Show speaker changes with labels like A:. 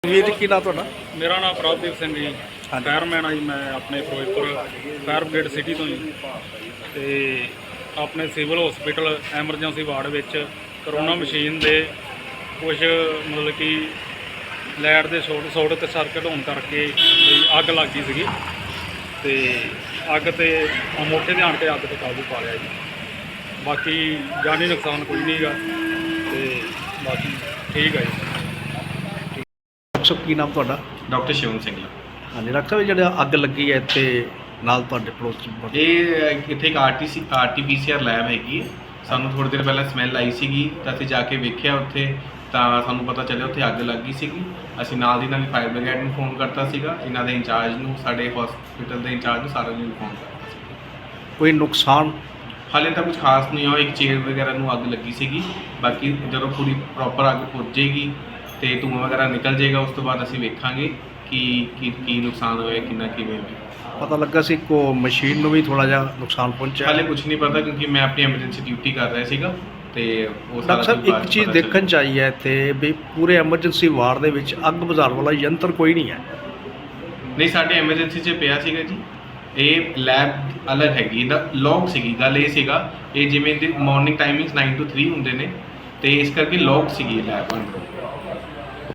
A: ਵੀਰ ਜੀ ਕੀ ਨਾਂ ਤੁਹਾਡਾ?
B: ਮੇਰਾ ਨਾਮ ਪ੍ਰਭਦੀਪ ਸਿੰਘ ਜੀ, ਫਾਇਰਮੈਨ ਆ ਜੀ। ਮੈਂ ਆਪਣੇ ਫਿਰੋਜ਼ਪੁਰ ਫਾਇਰ ਬ੍ਰਿਗੇਡ ਸਿਟੀ ਤੋਂ ਜੀ। ਤੇ ਆਪਣੇ ਸਿਵਲ ਹਸਪੀਟਲ ਐਮਰਜੈਂਸੀ ਵਾਰਡ ਵਿੱਚ ਕਰੋਨਾ ਮਸ਼ੀਨ ਦੇ ਕੁਝ ਮਤਲਬ ਕਿ ਲਾਈਟ ਦੇ ਸ਼ੋਰਟ ਤੇ ਸਰਕਟ ਹੋਣ ਕਰਕੇ ਅੱਗ ਲੱਗ ਗਈ ਸੀਗੀ। ਤੇ ਅੱਗ ਤੇ ਮੌਕੇ 'ਤੇ ਆਣ ਕੇ ਅੱਗ 'ਤੇ ਕਾਬੂ ਪਾ ਲਿਆ ਜੀ। ਬਾਕੀ ਜਾਨੀ ਨੁਕਸਾਨ ਕੋਈ ਨਹੀਂ ਗਾ ਤੇ ਬਾਕੀ ਠੀਕ ਹੈ ਜੀ।
A: ਡਾਕਟਰ ਕੀ ਨਾਮ ਤੁਹਾਡਾ?
C: ਡਾਕਟਰ ਸ਼ਿਵਮ ਸਿੰਘ।
A: ਹਾਂਜੀ ਡਾਕਟਰ ਸਾਹਿਬ, ਜਿਹੜਾ ਅੱਗ ਲੱਗੀ ਹੈ ਇੱਥੇ ਨਾਲ ਤੁਹਾਡੇ ਪੜੋਸ 'ਚ,
C: ਇਹ ਇੱਥੇ ਇੱਕ RT-PCR ਲੈਬ ਹੈਗੀ ਹੈ। ਸਾਨੂੰ ਥੋੜ੍ਹੀ ਦੇਰ ਪਹਿਲਾਂ ਸਮੈਲ ਆਈ ਸੀਗੀ ਤਾਂ ਅਸੀਂ ਜਾ ਕੇ ਵੇਖਿਆ ਉੱਥੇ, ਤਾਂ ਸਾਨੂੰ ਪਤਾ ਚੱਲਿਆ ਉੱਥੇ ਅੱਗ ਲੱਗੀ ਸੀਗੀ। ਅਸੀਂ ਨਾਲ ਦੀ ਨਾਲ ਫਾਇਰ ਬ੍ਰਿਗੇਡ ਨੂੰ ਫੋਨ ਕਰਤਾ ਸੀਗਾ, ਇਹਨਾਂ ਦੇ ਇੰਚਾਰਜ ਨੂੰ, ਸਾਡੇ ਹਸਪੀਟਲ ਦੇ ਇੰਚਾਰਜ ਨੂੰ, ਸਾਰਿਆਂ ਨੂੰ ਫੋਨ ਕਰਤਾ ਸੀ।
A: ਕੋਈ ਨੁਕਸਾਨ
C: ਹਾਲੇ ਤਾਂ ਕੁਝ ਖਾਸ ਨਹੀਂ ਹੋਇਆ। ਇੱਕ ਚੇਅਰ ਵਗੈਰਾ ਨੂੰ ਅੱਗ ਲੱਗੀ ਸੀਗੀ। ਬਾਕੀ ਜਦੋਂ ਪੂਰੀ ਪ੍ਰੋਪਰ ਅੱਗ ਪੁੱਜ ਜਾਏਗੀ ਤੇ ਧੂੰਆਂ ਵਗੈਰਾ ਨਿਕਲ ਜਾਏਗਾ, ਉਸ ਤੋਂ ਬਾਅਦ ਅਸੀਂ ਵੇਖਾਂਗੇ ਕੀ ਨੁਕਸਾਨ ਹੋਇਆ, ਕਿੰਨਾ ਕਿਵੇਂ ਹੋਇਆ।
A: ਪਤਾ ਲੱਗਾ ਸੀ ਕੋ ਮਸ਼ੀਨ ਨੂੰ ਵੀ ਥੋੜਾ ਜਿਹਾ ਨੁਕਸਾਨ ਪਹੁੰਚਿਆ?
C: ਹਾਲੇ ਕੁਝ ਨਹੀਂ ਪਤਾ, ਕਿਉਂਕਿ ਮੈਂ ਆਪਣੀ ਐਮਰਜੈਂਸੀ ਡਿਊਟੀ ਕਰ ਰਿਹਾ ਸੀਗਾ ਤੇ ਉਹ
A: ਡਾਕਟਰ ਸਾਹਿਬ ਇੱਕ ਚੀਜ਼ ਦੇਖਣ 'ਚ ਆਈ ਹੈ ਇੱਥੇ ਵੀ ਪੂਰੇ ਐਮਰਜੈਂਸੀ ਵਾਰਡ ਦੇ ਵਿੱਚ ਅੱਗ ਬੁਝਾਉਣ ਵਾਲਾ ਯੰਤਰ ਕੋਈ ਨਹੀਂ ਹੈ।
C: ਨਹੀਂ, ਸਾਡੇ ਐਮਰਜੈਂਸੀ 'ਚ ਪਿਆ ਸੀਗਾ ਜੀ। ਇਹ ਲੈਬ ਅਲੱਗ ਹੈਗੀ, ਇਹਦਾ ਲੌਕ ਸੀਗੀ। ਗੱਲ ਇਹ ਸੀਗਾ, ਇਹ ਜਿਵੇਂ ਦੀ ਮਾਰਨਿੰਗ ਟਾਈਮਿੰਗਸ 9 to 3 ਹੁੰਦੇ ਨੇ ਤੇ ਇਸ ਕਰਕੇ ਲੌਕ ਸੀਗੀ ਲੈਬ ਅੰਦਰੋਂ।